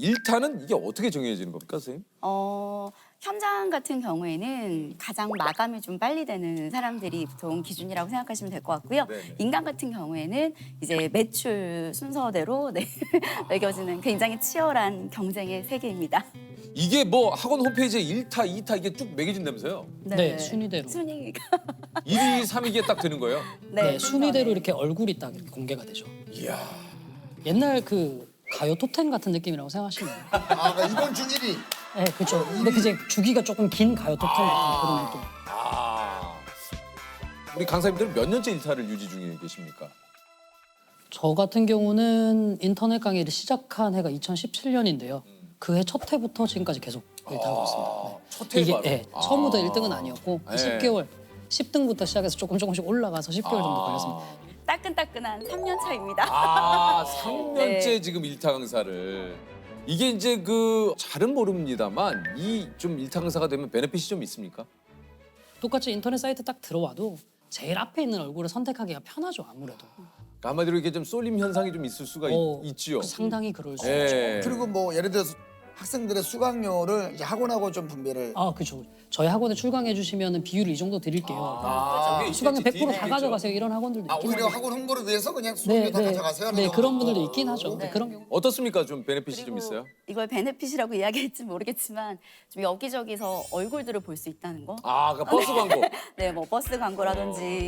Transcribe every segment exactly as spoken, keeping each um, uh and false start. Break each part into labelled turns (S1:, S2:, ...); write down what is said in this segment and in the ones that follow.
S1: 일타는 이게 어떻게 정해지는 겁니까, 선생님?
S2: 어, 현장 같은 경우에는 가장 마감이 좀 빨리 되는 사람들이 보통 기준이라고 생각하시면 될 것 같고요.
S1: 네네.
S2: 인간 같은 경우에는 이제 매출 순서대로 네, 매겨지는 굉장히 치열한 경쟁의 세계입니다.
S1: 이게 뭐 학원 홈페이지에 일타, 이타 이게 쭉 매겨진다면서요?
S3: 네, 순위대로.
S2: 순위가.
S1: 일 위, 삼 위 이게 딱 되는 거예요?
S3: 네, 순위대로
S2: 순서네.
S3: 이렇게 얼굴이 딱 이렇게 공개가 되죠.
S1: 이야.
S3: 옛날 그 가요 톱텐 같은 느낌이라고 생각하시면 돼요.
S4: 아, 그러니까 이번 주 일 위.
S3: 네, 그렇죠. 근데 그제 주기가 조금 긴 가요 톱텐 같은 그런 느낌.
S1: 아. 우리 강사님들은 몇 년째 일타를 유지 중에 계십니까?
S3: 저 같은 경우는 인터넷 강의를 시작한 해가 이천십칠 년인데요. 그 해 첫 해부터 지금까지 계속 일타하고 있습니다. 네.
S1: 첫 해
S3: 이게
S1: 바로.
S3: 네, 처음부터 일 등은 아니었고
S1: 네.
S3: 십 개월, 십 등부터 시작해서 조금 조금씩 올라가서 십 개월 정도 걸렸습니다.
S2: 따끈따끈한 삼 년 차입니다.
S1: 아, 삼 년째
S2: 네.
S1: 지금 일타 강사를. 이게 이제 그 잘은 모릅니다만 이 좀 일타 강사가 되면 베네핏이 좀 있습니까?
S3: 똑같이 인터넷 사이트 딱 들어와도 제일 앞에 있는 얼굴을 선택하기가 편하죠, 아무래도.
S1: 그러니까 한마디로 이게 좀 쏠림 현상이 좀 있을 수가
S3: 어,
S1: 있, 있지요.
S3: 상당히 그럴 수
S1: 예.
S3: 있죠.
S4: 그리고 뭐 예를 들어서 학생들의 수강료를 이제 학원하고 좀 분배를.
S3: 아, 그렇죠. 저희 학원에 출강해 주시면 비율을 이 정도 드릴게요.
S1: 아, 그게
S3: 수강료
S1: 있겠지,
S3: 백 퍼센트 다
S1: 있겠죠.
S3: 가져가세요. 이런 학원들도
S4: 아,
S3: 있긴
S4: 오히려
S3: 하죠.
S4: 학원 홍보를 위해서 그냥
S3: 네,
S4: 수강료 다
S3: 네,
S4: 가져가세요.
S3: 네,
S4: 하는
S3: 그런 분들도
S4: 거.
S3: 있긴 하죠. 네,
S2: 네.
S3: 그런 경우.
S1: 어떻습니까? 좀 베네핏이 좀
S2: 그리고
S1: 있어요?
S2: 이걸 베네핏이라고 이야기할지 모르겠지만 좀 여기저기서 얼굴들을 볼 수 있다는 거.
S1: 아, 그 버스 광고.
S2: 네, 뭐 버스 광고라든지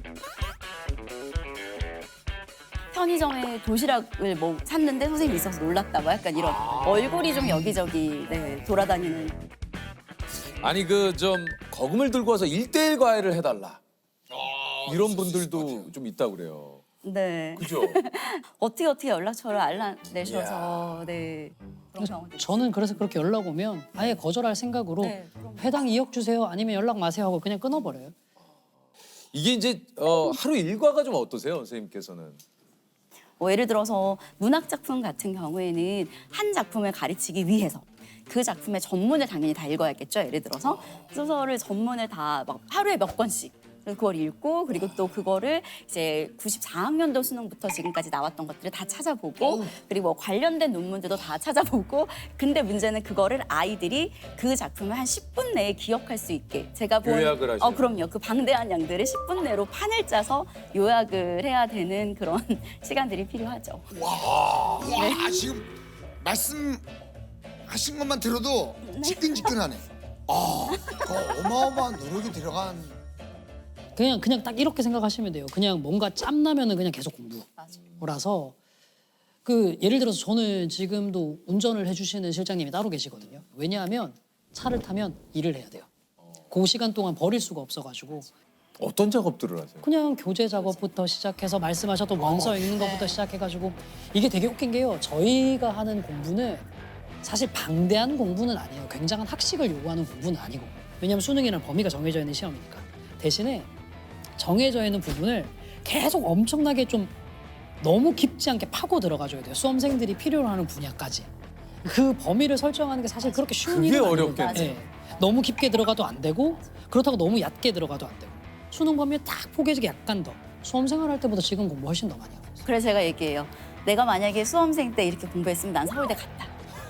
S2: 편의점에 도시락을 뭐 샀는데 선생님이 있어서 놀랐다, 뭐 약간 이런 얼굴이 좀 여기저기 네, 돌아다니는.
S1: 아니 그 좀 거금을 들고 와서 일대일 과외를 해달라. 이런 분들도 좀 있다고 그래요.
S2: 네.
S1: 그죠?
S2: 어떻게 어떻게 연락처를 알아내셔서 네 그런 경우도
S3: 저는 그래서 그렇게 연락 오면 아예 거절할 생각으로
S2: 네, 그럼.
S3: 회당 이억 주세요. 아니면 연락 마세요 하고 그냥 끊어버려요.
S1: 이게 이제 어, 하루 일과가 좀 어떠세요, 선생님께서는?
S2: 뭐 예를 들어서 문학 작품 같은 경우에는 한 작품을 가르치기 위해서 그 작품의 전문을 당연히 다 읽어야겠죠. 예를 들어서 소설을 전문을 다 막 하루에 몇 권씩 그걸 읽고 그리고 또 그거를 이제 구십사 학년도 수능부터 지금까지 나왔던 것들을 다 찾아보고 그리고 뭐 관련된 논문들도 다 찾아보고 근데 문제는 그거를 아이들이 그 작품을 한 십 분 내에 기억할 수 있게 제가 본
S1: 요약을 하시는.
S2: 어 그럼요. 그 방대한 양들을 십 분 내로 판을 짜서 요약을 해야 되는 그런 시간들이 필요하죠.
S4: 와, 지금 말씀하신 것만 들어도 지끈지끈하네. 아, 그 어마어마한 노력이 들어간.
S3: 그냥 그냥 딱 이렇게 생각하시면 돼요. 그냥 뭔가 짬 나면은 그냥 계속 공부라서 그 예를 들어서 저는 지금도 운전을 해주시는 실장님이 따로 계시거든요. 왜냐하면 차를 타면 일을 해야 돼요. 그 시간 동안 버릴 수가 없어가지고
S1: 어떤 작업들을 하세요?
S3: 그냥 교재 작업부터 시작해서 말씀하셨던 원서 읽는 것부터 시작해가지고 이게 되게 웃긴 게요. 저희가 하는 공부는 사실 방대한 공부는 아니에요. 굉장한 학식을 요구하는 공부는 아니고 왜냐하면 수능이라는 범위가 정해져 있는 시험이니까 대신에 정해져 있는 부분을 계속 엄청나게 좀 너무 깊지 않게 파고 들어가줘야 돼요. 수험생들이 필요로 하는 분야까지. 그 범위를 설정하는 게 사실 그렇게 쉬운
S1: 그게
S3: 일은 아니거든요.
S1: 어렵겠네.
S3: 네. 너무 깊게 들어가도 안 되고 그렇다고 너무 얕게 들어가도 안 되고 수능 범위에 딱 포개지게 약간 더 수험 생활할 때보다 지금 공부 훨씬 더 많이 하고 있어요.
S2: 그래서 제가 얘기해요. 내가 만약에 수험생 때 이렇게 공부했으면 난 서울대 갔다.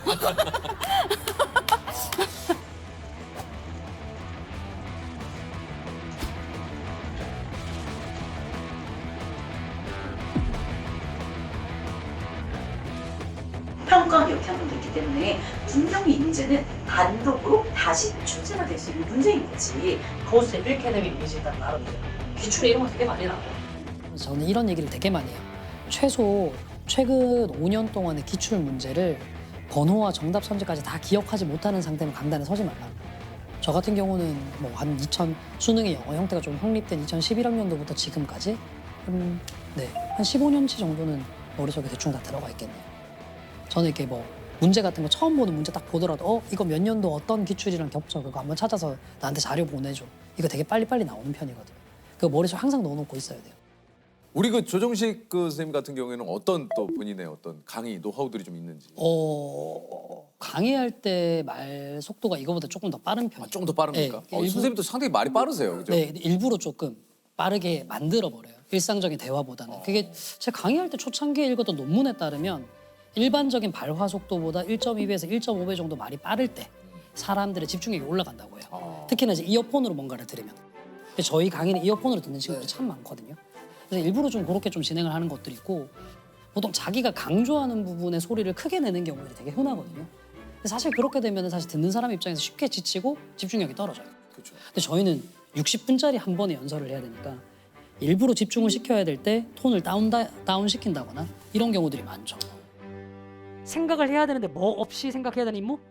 S5: 평가 역량도 있기 때문에 분명히 이 문제는 단독으로 다시 출제가 될 수 있는 문제인 거지. 거기서 일 캐데미 이미지 일단 나름이죠. 기출에 이런 거 되게 많이 나와요.
S3: 그래서 저는 이런 얘기를 되게 많이 해요. 최소 최근 오 년 동안의 기출 문제를 번호와 정답 선지까지 다 기억하지 못하는 상태면 강단에 서지 말라. 저 같은 경우는 뭐 한 이천 수능의 영어 형태가 좀 확립된 이천십일 학년도부터 지금까지 한, 네, 한 십오 년치 정도는 머릿속에 대충 다 들어가 있겠네요. 저는 이렇게 뭐 문제 같은 거 처음 보는 문제 딱 보더라도 어 이거 몇 년도 어떤 기출이랑 겹쳐 그거 한번 찾아서 나한테 자료 보내줘. 이거 되게 빨리빨리 나오는 편이거든요. 그 머릿속에 항상 넣어놓고 있어야 돼요.
S1: 우리 그 조정식 그 선생님 같은 경우에는 어떤 또 본인의 어떤 강의 노하우들이 좀 있는지.
S3: 어 강의할 때 말 속도가 이거보다 조금 더 빠른 편이에요.
S1: 아, 조금 더 빠릅니까?
S3: 네,
S1: 어,
S3: 일부-
S1: 선생님도 상당히 말이 빠르세요, 그죠?
S3: 네, 일부러 조금 빠르게 만들어 버려요. 일상적인 대화보다는. 그게 제가 강의할 때 초창기에 읽었던 논문에 따르면 일반적인 발화 속도보다 일 점 이 배에서 일 점 오 배 정도 말이 빠를 때 사람들의 집중력이 올라간다고 해요.
S1: 아.
S3: 특히나 이제 이어폰으로 뭔가를 들으면. 근데 저희 강의는 이어폰으로 듣는 친구들이 참 많거든요. 그래서 일부러 좀 그렇게 좀 진행을 하는 것들이 있고 보통 자기가 강조하는 부분의 소리를 크게 내는 경우들이 되게 흔하거든요. 근데 사실 그렇게 되면 사실 듣는 사람 입장에서 쉽게 지치고 집중력이 떨어져요.
S1: 그렇죠.
S3: 근데 저희는 육십 분짜리 한 번에 연설을 해야 되니까 일부러 집중을 시켜야 될 때 톤을 다운, 다운 시킨다거나 이런 경우들이 많죠. 생각을 해야 되는데 뭐 없이 생각해야 되는 임무?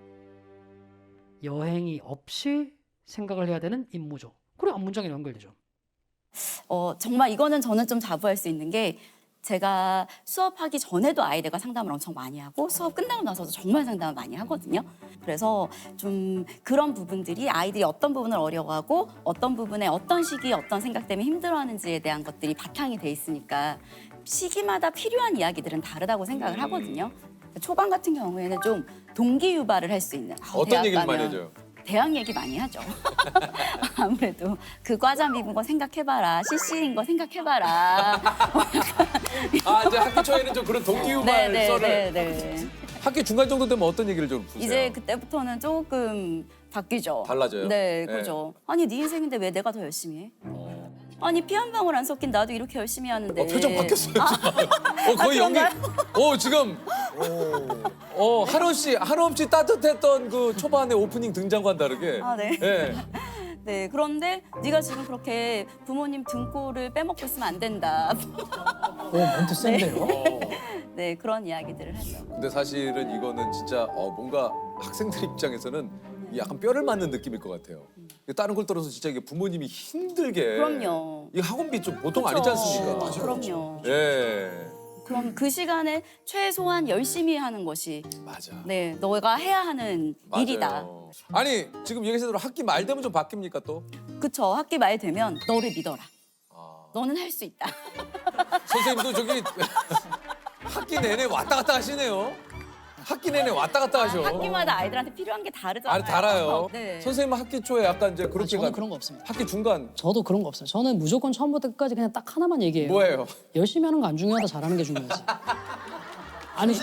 S3: 여행이 없이 생각을 해야 되는 임무죠. 그래 문장에 연결되죠.
S2: 어, 정말 이거는 저는 좀 자부할 수 있는 게 제가 수업하기 전에도 아이들과 상담을 엄청 많이 하고 수업 끝나고 나서도 정말 상담을 많이 하거든요. 그래서 좀 그런 부분들이 아이들이 어떤 부분을 어려워하고 어떤 부분에 어떤 시기에 어떤 생각 때문에 힘들어하는지에 대한 것들이 바탕이 돼 있으니까 시기마다 필요한 이야기들은 다르다고 생각을 하거든요. 초반 같은 경우에는 좀 동기 유발을 할 수 있는 아,
S1: 어떤
S2: 대학
S1: 얘기를
S2: 가면
S1: 많이 해줘요?
S2: 대학 얘기 많이 하죠. 아무래도 그 과자 미군 거 생각해봐라. 씨씨인 거 생각해봐라.
S1: 아 이제 학기 초에는 좀 그런 동기유발
S2: 네,
S1: 썰을
S2: 네, 네, 네.
S1: 학기 중간 정도 되면 어떤 얘기를 좀 푸세요?
S2: 이제 그때부터는 조금 바뀌죠.
S1: 달라져요?
S2: 네,
S1: 네.
S2: 그죠. 아니 네 인생인데 왜 내가 더 열심히 해?
S1: 어.
S2: 아니 피 한 방울 안 섞인 나도 이렇게 열심히 하는데.
S1: 어, 표정 바뀌었어요. 지금. 어 거의
S2: 아,
S1: 연기.
S2: 그런가요?
S1: 어 지금. 어 한없이 한없이 따뜻했던 그 초반에 오프닝 등장과는 다르게.
S2: 아, 네.
S1: 예.
S2: 네, 그런데 네가 지금 그렇게 부모님 등골을 빼먹고 있으면 안 된다.
S3: 오 멘트 센데요?
S1: 어.
S2: 네, 그런 이야기들을 하죠.
S1: 근데 사실은 이거는 진짜 어, 뭔가 학생들 입장에서는 약간 뼈를 맞는 느낌일 것 같아요. 다른 걸 떨어서 진짜 이게 부모님이 힘들게.
S2: 그럼요.
S1: 이 학원비 좀 보통
S2: 그쵸.
S1: 아니지 않습니까?
S4: 맞아요.
S2: 그럼요.
S1: 예.
S2: 그럼 그 시간에 최소한 열심히 하는 것이
S1: 맞아.
S2: 네, 너가 해야 하는
S1: 맞아요.
S2: 일이다.
S1: 아니 지금 얘기하신 대로 학기 말 되면 좀 바뀝니까 또?
S2: 그쵸. 학기 말 되면 너를 믿어라.
S1: 아.
S2: 너는 할 수 있다.
S1: 선생님도 저기 학기 내내 왔다 갔다 하시네요. 학기 내내 왔다 갔다 하셔.
S2: 학기마다 아이들한테 필요한 게 다르잖아요.
S1: 아니 달아요.
S2: 네.
S1: 선생님은 학기 초에 약간 이제
S3: 아,
S1: 그렇게
S3: 저는
S1: 가.
S3: 그런 거 없습니다.
S1: 학기 중간
S3: 저도 그런 거 없어요. 저는 무조건 처음부터 끝까지 그냥 딱 하나만 얘기해요.
S1: 뭐예요?
S3: 열심히 하는 거 안 중요하다 잘하는 게 중요하지. 아니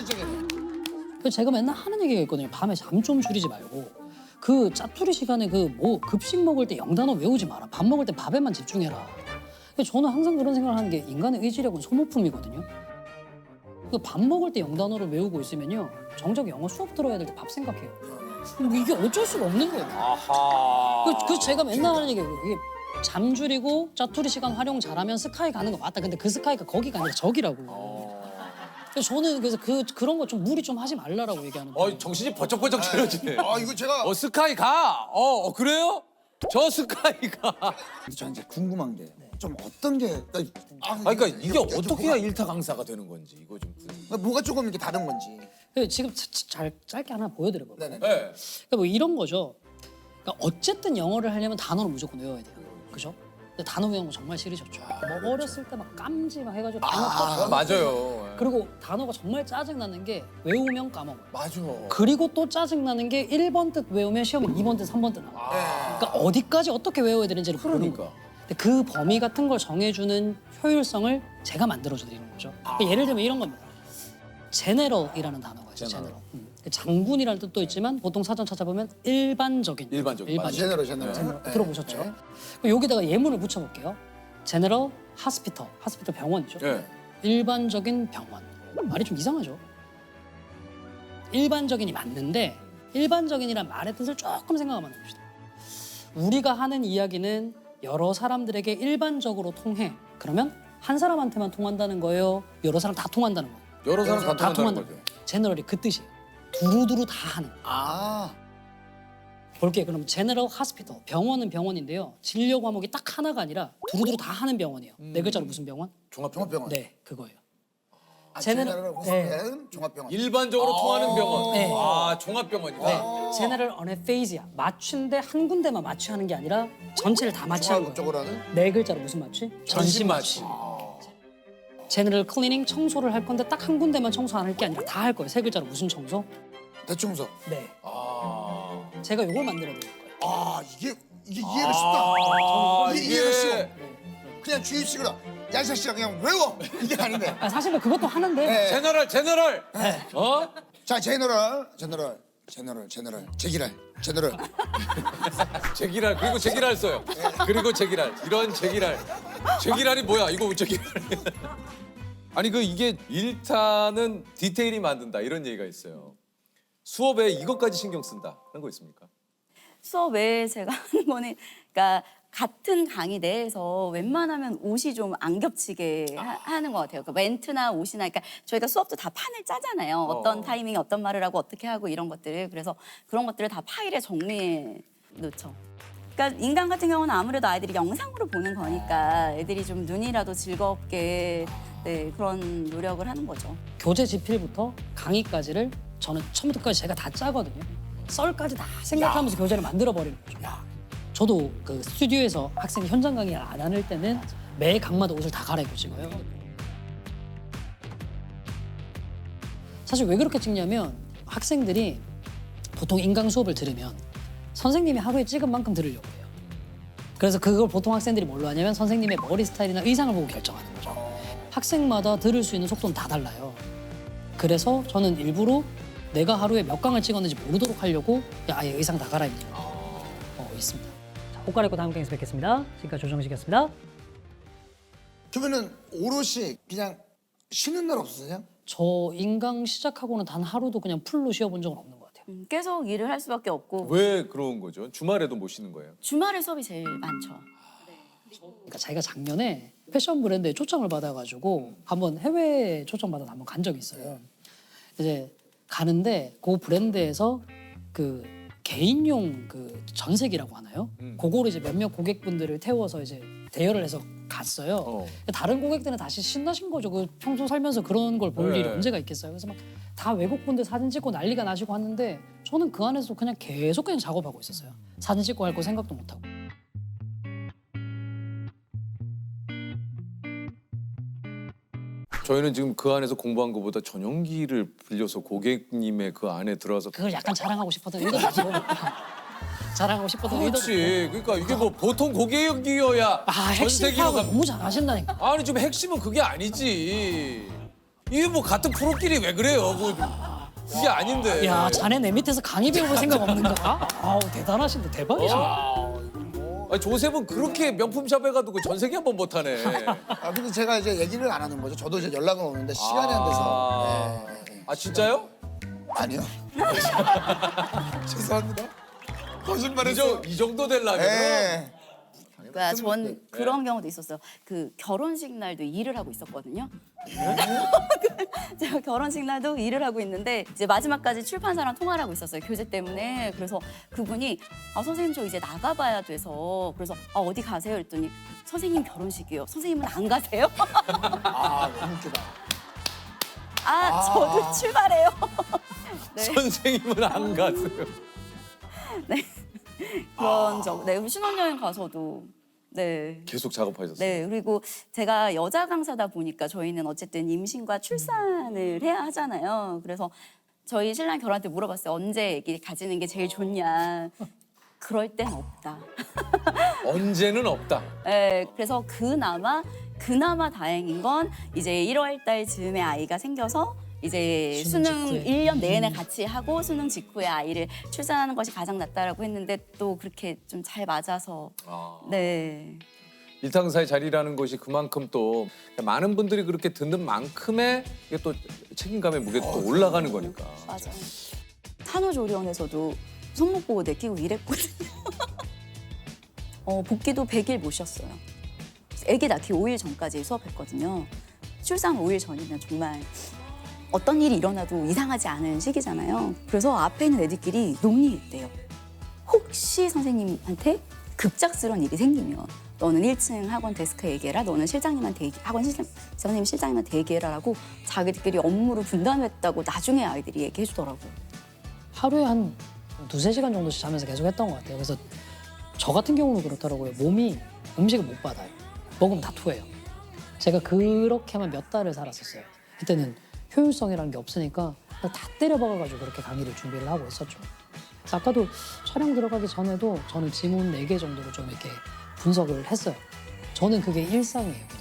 S3: 그 제가 맨날 하는 얘기가 있거든요. 밤에 잠 좀 줄이지 말고 그 짜투리 시간에 그 뭐 급식 먹을 때 영단어 외우지 마라. 밥 먹을 때 밥에만 집중해라. 근데 저는 항상 그런 생각을 하는 게 인간의 의지력은 소모품이거든요. 그 밥 먹을 때 영단어를 외우고 있으면요. 정작 영어 수업 들어야 될 때 밥 생각해요. 이게 어쩔 수가 없는 거예요.
S1: 아하.
S3: 그, 그 제가 맨날 하는 얘기예요. 이게 잠 줄이고 짜투리 시간 활용 잘하면 스카이 가는 거 맞다. 근데 그 스카이가 거기가 아니라 저기라고. 그래서 저는 그래서 그 그런 거 좀 무리 좀 하지 말라라고 얘기하는 거예요.
S1: 어 정신이 번쩍번쩍 차려지네.
S4: 아 이거 제가
S1: 어 스카이 가. 어, 어 그래요? 저 스카이 가.
S4: 저 이제 궁금한 게 좀 어떤 게 아,
S1: 아 그러니까 이게
S4: 이거
S1: 어떻게 해야
S4: 여쭤보고-
S1: 일타 강사가 되는 건지 이거 좀.
S4: 뭐가 조금 이렇게 다른 건지.
S3: 그래서 지금 자- 자- 잘 짧게 하나 보여드려 볼까요?
S4: 네네.
S1: 네.
S3: 그러니까 뭐 이런 거죠. 그러니까 어쨌든 영어를 하려면 단어를 무조건 외워야 돼요. 그죠? 근데 단어 외우는 거 정말 싫으셨죠. 뭐 어렸을 때 막 깜지 막 해가지고 단어
S1: 아,
S3: 아,
S1: 맞아요.
S3: 그리고 단어가 정말 짜증나는 게 외우면 까먹어요.
S1: 맞아.
S3: 그리고 또 짜증나는 게 일 번 뜻 외우면 시험에 이 번 뜻, 삼 번 뜻 나와요. 그러니까 어디까지 어떻게 외워야 되는지를 모르는 거예요.
S1: 그러니까.
S3: 근데 그 범위 같은 걸 정해주는 효율성을 제가 만들어드리는 거죠. 그러니까 예를 들면 이런 겁니다. 제네럴이라는 단어가 있어요.
S1: 제너럴.
S3: 제네럴. 음. 장군이라는 뜻도 있지만 보통 사전 찾아보면 일반적인.
S1: 일반적인,
S3: 일반적인.
S1: 맞아요.
S4: 제너럴 제너럴.
S3: 제너럴.
S4: 네.
S3: 들어보셨죠?
S4: 네.
S3: 그럼 여기다가 예문을 붙여볼게요. 제네럴 하스피터. 하스피터 병원이죠.
S1: 예.
S3: 일반적인 병원. 말이 좀 이상하죠? 일반적인이 맞는데 일반적인이란 말의 뜻을 조금 생각하면 됩시다. 우리가 하는 이야기는 여러 사람들에게 일반적으로 통해. 그러면 한 사람한테만 통한다는 거예요? 여러 사람 다 통한다는 거예요?
S1: 여러 사람 다
S3: 다
S1: 통한다는
S3: 통한다는
S1: 거죠.
S3: 거예요. 제너럴이 그 뜻이에요. 두루두루 다 하는.
S4: 아
S3: 볼게요. 그럼 제너럴 하스피터. 병원은 병원인데요. 진료 과목이 딱 하나가 아니라 두루두루 다 하는 병원이에요. 네 글자로 무슨 병원?
S1: 종합병원.
S4: 종합병원.
S3: 네, 그거예요.
S4: 아,
S3: 제너럴-
S4: 제너럴
S3: 네.
S4: 호스피탈은 종합병원.
S1: 일반적으로 통하는 병원.
S3: 네.
S1: 아 종합병원이다.
S3: 네, 제너럴 어네페이지아. 맞추인데 한 군데만 마취하는 게 아니라 전체를 다 마취하는 거예요.
S4: 종합적으로 하는.
S3: 네 글자로 무슨 마취? 전신 마취. 제너럴 클리닝 청소를 할 건데 딱 한 군데만 청소 안 할 게 아니라 다 할 거예요. 세 글자로 무슨 청소?
S4: 대청소.
S3: 네.
S1: 아.
S3: 제가 이걸 만들어 드릴 거예요.
S4: 아 이게 이게 이해가 쉽다.
S1: 아
S4: 이게 이해가 쉬워.
S3: 네.
S4: 그냥 주입식으로 야 이 자식아 그냥 외워 이게 아닌데.
S3: 아, 사실은 그것도 하는데
S4: 네.
S1: 제너럴 제너럴. 어?
S4: 자 제너럴 제너럴 제너럴 제너럴 제기랄 제너럴.
S1: 제기랄 그리고 제기랄 써요. 그리고 제기랄 이런 제기랄. 제기랄이 뭐야? 이거 제기랄. 아니 그 이게 일타는 디테일이 만든다 이런 얘기가 있어요. 수업에 이것까지 신경 쓴다 하는 거 있습니까?
S2: 수업 외에 제가 하는 거는 그러니까 같은 강의 내에서 웬만하면 옷이 좀 안 겹치게 하, 는것 같아요. 그러니까 멘트나 옷이나 그러니까 저희가 수업도 다 판을 짜잖아요. 어떤
S1: 어.
S2: 타이밍에 어떤 말을 하고 어떻게 하고 이런 것들을. 그래서 그런 것들을 다 파일에 정리해 놓죠. 그러니까 인강 같은 경우는 아무래도 아이들이 영상으로 보는 거니까 애들이 좀 눈이라도 즐겁게 네, 그런 노력을 하는 거죠.
S3: 교재 지필부터 강의까지를 저는 처음부터 끝까지 제가 다 짜거든요. 썰까지 다 생각하면서 교재를 만들어 버리는 거죠. 저도 그 스튜디오에서 학생이 현장 강의를 안 하는 때는 매 강마다 옷을 다 갈아입고 찍어요. 사실 왜 그렇게 찍냐면 학생들이 보통 인강 수업을 들으면 선생님이 하루에 찍은 만큼 들으려고 해요. 그래서 그걸 보통 학생들이 뭘로 하냐면 선생님의 머리 스타일이나 의상을 보고 결정하는 거죠. 학생마다 들을 수 있는 속도는 다 달라요. 그래서 저는 일부러 내가 하루에 몇 강을 찍었는지 모르도록 하려고 아예 의상 다 갈아입는 거 어, 있습니다. 자, 옷 갈아입고 다음 강의에서 뵙겠습니다. 지금까지 조정식이었습니다.
S4: 그러면은 오롯이 그냥 쉬는 날 없으세요?
S3: 저 인강 시작하고는 단 하루도 그냥 풀로 쉬어본 적은 없는 것 같아요.
S2: 음, 계속 일을 할 수밖에 없고
S1: 왜 그런 거죠? 주말에도 못 쉬는 거예요?
S2: 주말에 수업이 제일 많죠.
S3: 그러니까 자기가 작년에 패션 브랜드에 초청을 받아가지고 한번 해외 초청 받아서 한번 간 적이 있어요. 이제 가는데 그 브랜드에서 그 개인용 그 전색이라고 하나요?
S1: 음.
S3: 그거를 이제 몇몇 고객분들을 태워서 이제 대여를 해서 갔어요.
S1: 어.
S3: 다른 고객들은 다시 신나신 거죠. 그 평소 살면서 그런 걸 볼
S1: 네.
S3: 일이 언제가 있겠어요. 그래서 막 다 외국분들 사진 찍고 난리가 나시고 하는데 저는 그 안에서 그냥 계속 그냥 작업하고 있었어요. 사진 찍고 할 거 생각도 못 하고.
S1: 저희는 지금 그 안에서 공부한 것보다 전용기를 빌려서 고객님의 그 안에 들어와서
S3: 그걸 약간 자랑하고 싶었던 의도도 있고. 자랑하고 싶었던 의도도 있고.
S1: 그렇지. 그러니까 이게 뭐 보통 고객이어야
S3: 아, 핵심
S1: 전세기로
S3: 파악을
S1: 가.
S3: 너무 잘하신다니까.
S1: 아니 좀 핵심은 그게 아니지. 이게 뭐 같은 프로끼리 왜 그래요? 그 그게 아닌데.
S3: 야, 자네 내 밑에서 강의 배워볼 생각 없는가? 아우, 대단하신데 대박이시네.
S1: 아니, 조셉은 그렇게 명품샵에 가도 그 전세기 한 번 못하네.
S4: 아 근데 제가 이제 얘기를 안 하는 거죠. 저도 이제 연락은 오는데 시간이 안 돼서.
S1: 아,
S4: 네, 네.
S1: 아 진짜요?
S4: 아니요. 죄송합니다.
S1: 이,
S4: 거짓말했어.
S1: 정, 이 정도 되려면
S4: 네.
S2: 그러니까 전 그런 경우도 있었어요. 그 결혼식 날도 일을 하고 있었거든요. 제가 결혼식 날도 일을 하고 있는데 이제 마지막까지 출판사랑 통화를 하고 있었어요. 교재 때문에. 그래서 그분이 아 선생님 저 이제 나가봐야 돼서 그래서 아 어디 가세요? 그랬더니 선생님 결혼식이요. 선생님은 안 가세요?
S4: 아 너무 웃기다.
S2: 아 저도 출발해요. 네.
S1: 선생님은 안 가세요.
S2: 그런 적. 네 신혼여행 가서도 네.
S1: 계속 작업하셨어요.
S2: 네, 그리고 제가 여자 강사다 보니까 저희는 어쨌든 임신과 출산을 해야 하잖아요. 그래서 저희 신랑 결혼할 때 물어봤어요. 언제 아기 가지는 게 제일 좋냐. 그럴 땐 없다.
S1: 언제는 없다.
S2: 네, 그래서 그나마 그나마 다행인 건 이제 일월 달 즈음에 아이가 생겨서 이제
S3: 수능
S2: 수능
S3: 직후에.
S2: 일 년 내내 같이 하고 수능 직후에 아이를 출산하는 것이 가장 낫다라고 했는데 또 그렇게 좀 잘 맞아서
S1: 아.
S2: 네.
S1: 일상사의 자리라는 것이 그만큼 또 많은 분들이 그렇게 듣는 만큼의 이게 또 책임감의 무게도 또 올라가는 거니까.
S2: 맞아. 산후조리원에서도 손목보호대 끼고 일했거든요. 어, 복귀도 백 일 모셨어요. 아기 낳기 오 일 전까지 수업했거든요. 출산 오 일 전이면 정말 어떤 일이 일어나도 이상하지 않은 시기잖아요. 그래서 앞에 있는 애들끼리 논의했대요. 혹시 선생님한테 급작스러운 일이 생기면 너는 일 층 학원 데스크에 얘기해라. 너는 실장님한테 얘기, 학원 실장, 선생님 실장님한테 얘기해라라고 자기들끼리 업무를 분담했다고 나중에 아이들이 얘기해 주더라고요.
S3: 하루에 한 두세 시간 정도씩 자면서 계속 했던 것 같아요. 그래서 저 같은 경우는 그렇더라고요. 몸이 음식을 못 받아요. 먹으면 다 토해요. 제가 그렇게만 몇 달을 살았었어요. 그때는 효율성이라는 게 없으니까 다 때려박아가지고 그렇게 강의를 준비를 하고 있었죠. 그래서 아까도 촬영 들어가기 전에도 저는 지문 네 개 정도를 좀 이렇게 분석을 했어요. 저는 그게 일상이에요, 그냥.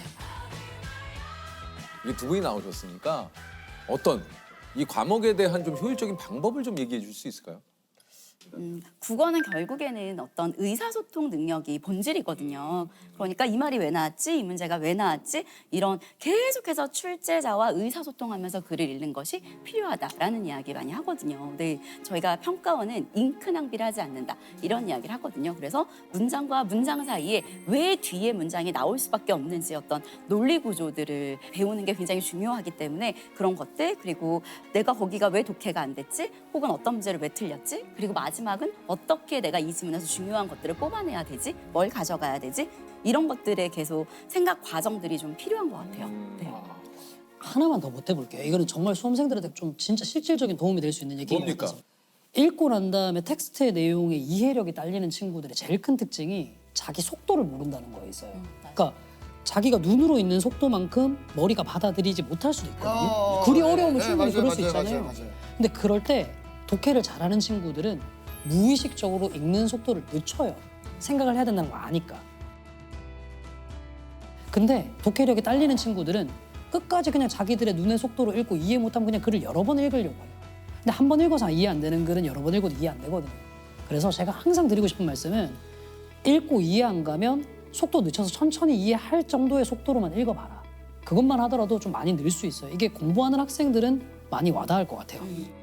S1: 이게 두 분이 나오셨으니까 어떤 이 과목에 대한 좀 효율적인 방법을 좀 얘기해 줄 수 있을까요?
S2: 음, 국어는 결국에는 어떤 의사소통 능력이 본질이거든요. 그러니까 이 말이 왜 나왔지? 이 문제가 왜 나왔지? 이런 계속해서 출제자와 의사소통하면서 글을 읽는 것이 필요하다라는 이야기 많이 하거든요. 네, 저희가 평가원은 잉크 낭비를 하지 않는다 이런 이야기를 하거든요. 그래서 문장과 문장 사이에 왜 뒤에 문장이 나올 수밖에 없는지 어떤 논리 구조들을 배우는 게 굉장히 중요하기 때문에 그런 것들 그리고 내가 거기가 왜 독해가 안 됐지? 혹은 어떤 문제를 왜 틀렸지? 그리고 마지막은 어떻게 내가 이 지문에서 중요한 것들을 뽑아내야 되지? 뭘 가져가야 되지? 이런 것들에 계속 생각 과정들이 좀 필요한 것 같아요. 네.
S3: 하나만 더 보태볼게요. 이거는 정말 수험생들한테 좀 진짜 실질적인 도움이 될 수 있는 얘기인 것
S1: 뭡니까?
S3: 같아서. 읽고 난 다음에 텍스트의 내용의 이해력이 딸리는 친구들의 제일 큰 특징이 자기 속도를 모른다는 거에 있어요. 그러니까 자기가 눈으로 읽는 속도만큼 머리가 받아들이지 못할 수도 있거든요.
S4: 어,
S3: 글이
S4: 네,
S3: 어려우면
S4: 네,
S3: 충분히
S4: 맞아요,
S3: 그럴 수
S4: 맞아요,
S3: 있잖아요.
S4: 맞아요, 맞아요.
S3: 근데 그럴 때 독해를 잘하는 친구들은 무의식적으로 읽는 속도를 늦춰요. 생각을 해야 된다는 거 아니까. 근데 독해력이 딸리는 친구들은 끝까지 그냥 자기들의 눈의 속도로 읽고 이해 못하면 그냥 글을 여러 번 읽으려고 해요. 근데 한 번 읽어서 이해 안 되는 글은 여러 번 읽어도 이해 안 되거든요. 그래서 제가 항상 드리고 싶은 말씀은 읽고 이해 안 가면 속도 늦춰서 천천히 이해할 정도의 속도로만 읽어봐라. 그것만 하더라도 좀 많이 늘 수 있어요. 이게 공부하는 학생들은 많이 와닿을 것 같아요.